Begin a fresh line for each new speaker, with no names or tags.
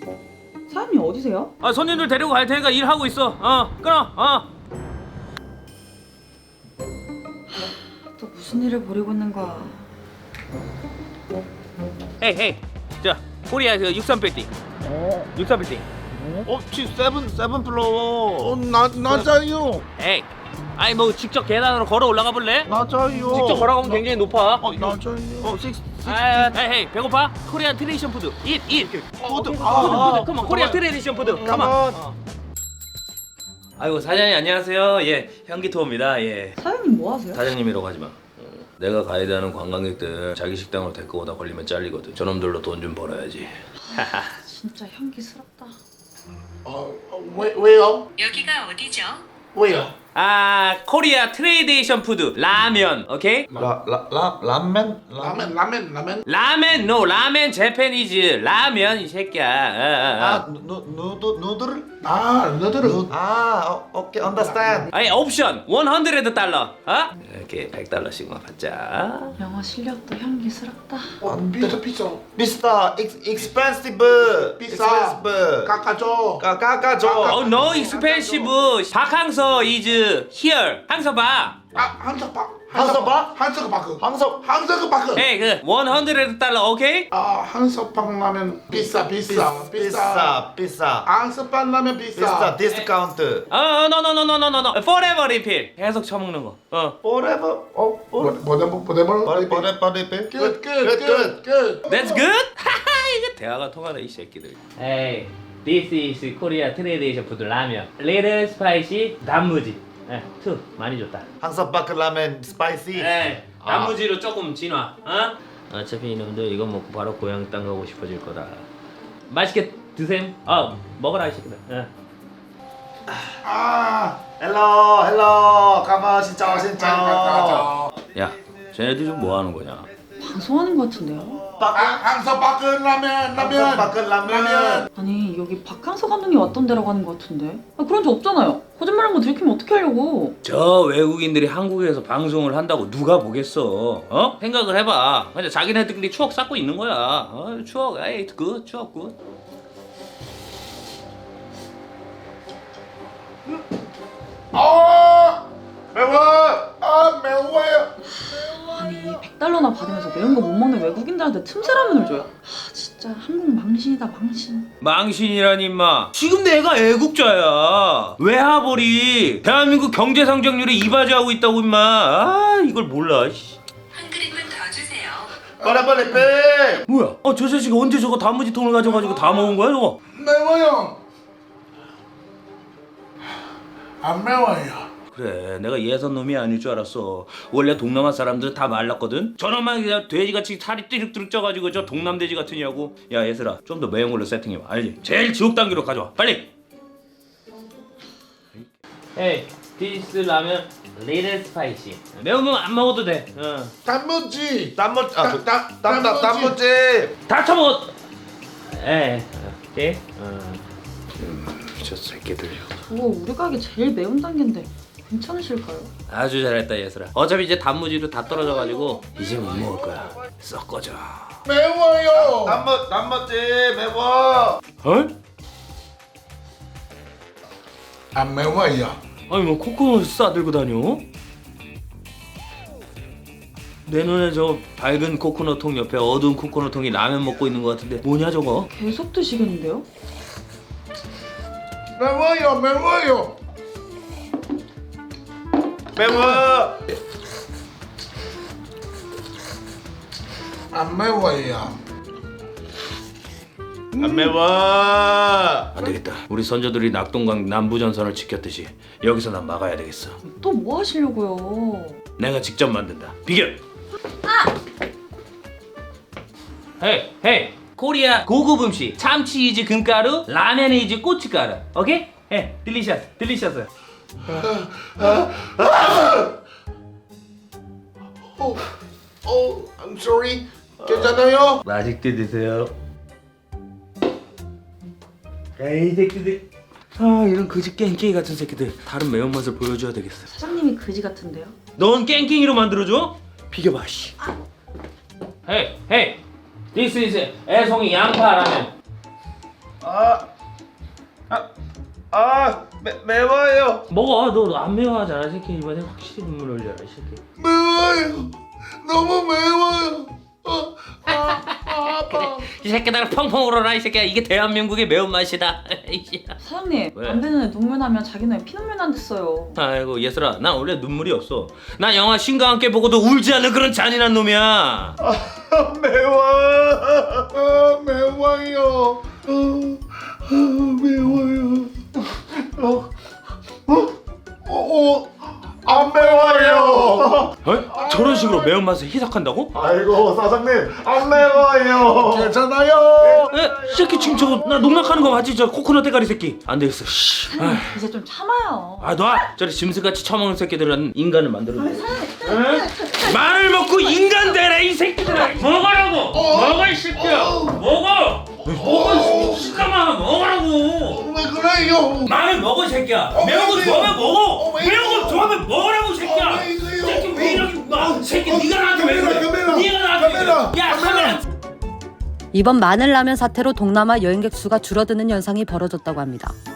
사장님 어디세요?
아, 손님들 데리고 갈 테니까 일하고 있어. 끊어.
또 무슨 일을 벌이고 있는 거야?
헤이. 자, 코리아 그 63빌딩. 63빌딩.
지 세븐 플로어. 낮아요.
에이. 아니 뭐 직접 계단으로 걸어 올라가 볼래?
낮아요.
직접 걸어가면 굉장히 높아.
낮아요.
헤이, 배고파? 코리안 트레디션 푸드. 잇.
푸드.
푸드. 컴온. 코리안 트레디션 푸드. 컴온. 아이고, 사장님 안녕하세요. 예, 현기토입니다. 예.
사장님 뭐 하세요?
사장님이라고 하지 마. 내가 가이드하는 관광객들 자기 식당으로 데리고 오다 걸리면 잘리거든. 저놈들로 돈 좀 벌어야지.
진짜 향기스럽다.
왜요?
여기가 어디죠?
왜요?
아, 코리아 트레디션 푸드. 라면. 오케이?
라멘?
라멘, no. 라멘 재패니즈. 라면 이 새끼야.
누들?
너들은
오케이, understand.
아니, 옵션 $100. 이렇게 $100씩만 받자.
영어 실력도 향기스럽다.
비싸, expensive.
깎아줘.
깎아줘.
No expensive. 박항서 is here. 항서 봐.
한석박.
에이, 그 $100. 오케이?
한석박 라면 비싸. 한석박 라면
비싸, 디스카운트.
No. Forever refill. 계속 처먹는 거.
Forever.
뭐래. 끝.
That's good? 이게 대화가 통하네 이 새끼들. Hey, this is Korea tradition food 라면. Little spicy 단무지. 투 많이 줬다.
항섭바크 라멘 스파이시.
단무지로 조금 진화. 어차피 이놈들 이거 먹고 바로 고향 땅 가고 싶어질 거다. 맛있게 드셈. 먹어라 이 새끼들.
헬로. 가마 진짜.
야, 쟤네들 좀 뭐 하는 거냐?
방송하는 것 같은데요?
한석박 라면.
아니 여기 박항서 감독님 왔던 데라고 하는 것 같은데. 그런 적 없잖아요. 거짓말한 거 들키면 어떻게 하려고?
저 외국인들이 한국에서 방송을 한다고 누가 보겠어? 생각을 해봐. 그냥 자기네들끼리 추억 쌓고 있는 거야. 추억, 에이, 추억 굿.
매워요.
아니 $100나 받으면서 매운 거 못 먹는 외국인들한테 틈새 라면을 줘요? 진짜 한국 망신이다 망신.
망신이란 임마. 지금 내가 애국자야. 외화벌이 대한민국 경제 성장률에 이바지하고 있다고 임마. 이걸 몰라. 씨.
한 그릇만 더 주세요.
빨리 빼.
뭐야? 저 자식이 언제 저거 단무지 통을 가져가지고 다 먹은 거야 저거?
매워요. 안 매워요.
그래, 내가 예선 놈이 아닐 줄 알았어. 원래 동남아 사람들은 다 말랐거든. 저놈만 그냥 돼지같이 살이 띠룩띠룩 쪄가지고 저 동남돼지 같으냐고. 야 얘들아, 좀 더 매운 걸로 세팅해봐. 알지? 제일 지옥 단계로 가져와. 빨리. Hey, this 라면 little spicy. 매운 거 안 먹어도 돼.
단무지.
단무지.
다 처먹어. 오케이. 저 새끼들.
저거 우리 가게 제일 매운 단계인데 괜찮으실까요?
아주 잘했다 얘들아. 어차피 이제 단무지도 다 떨어져가지고 이제 못 먹을 거야. 썩 꺼져.
매워요.
단무지 매워.
안 매워요.
아니 뭐 코코넛 싸들고 다녀? 내 눈에 저 밝은 코코넛 통 옆에 어두운 코코넛 통이 라면 먹고 있는 것 같은데 뭐냐 저거?
계속 드시겠는데요?
매워요.
매워.
안 매워요.
안 매워.
안 되겠다. 우리 선조들이 낙동강 남부전선을 지켰듯이 여기서 난 막아야 되겠어.
또 뭐 하시려고요?
내가 직접 만든다. 비결. 헤이. 코리아 고급 음식. 참치 이즈 금가루, 라면 이즈 고춧가루. 오케이? 딜리셔스.
I'm sorry. 괜찮아요?
맛있게 드세요. 이 새끼들. 이런 거지 깽깽이 같은 새끼들. 다른 매운맛을 보여줘야 되겠어.
사장님이 그지 같은데요?
넌 깽깽이로 만들어줘? 비켜봐 씨. 헤이. This is 애송이 양파 라면.
매워요.
먹어. 너 안 매워하잖아. 이 새끼 이번에 확실히 눈물 흘려라. 이 새끼.
매워요. 너무 매워요. 아파.
이 새끼들 펑펑 울어라. 이 새끼야. 이게 대한민국의 매운맛이다.
사장님
왜?
안 되는 애 눈물 나면 자기는 피눈물 난댔어요.
아이고 예슬아, 난 원래 눈물이 없어. 나 영화 신과 함께 보고도 울지 않는 그런 잔인한 놈이야.
매워.
매워요. 매워요.
안 매워요.
어? 저런 식으로 매운맛을 희석한다고?
아이고 사장님 안 매워요.
괜찮아요.
에? 이 새끼 지금 저거 나 농락하는 거 맞지? 저 코코넛 대가리 새끼. 안 되겠어. 씨.
사장님 이제 좀 참아요.
아 놔! 저리 짐승같이 처먹는 새끼들은 인간을 만들어줘. 말을 먹고 인간 되라 이 새끼들아. 먹으라고. 먹어 이 새끼야. 먹어. 먹어 시까마 먹으라고.
왜 그래요?
말을 먹어 이 새끼야. 매운 거 좋아하면 먹어.
왜
매운 거
이래요?
좋아하면 먹으라고 이 새끼야.
왜 이래요?
새끼 왜 이러지 마. 새끼 네가 나한테 왜 그래?
카메라,
네가 나한테 왜 그래?
카메라,
야 카메라.
이번 마늘라면 사태로 동남아 여행객 수가 줄어드는 현상이 벌어졌다고 합니다.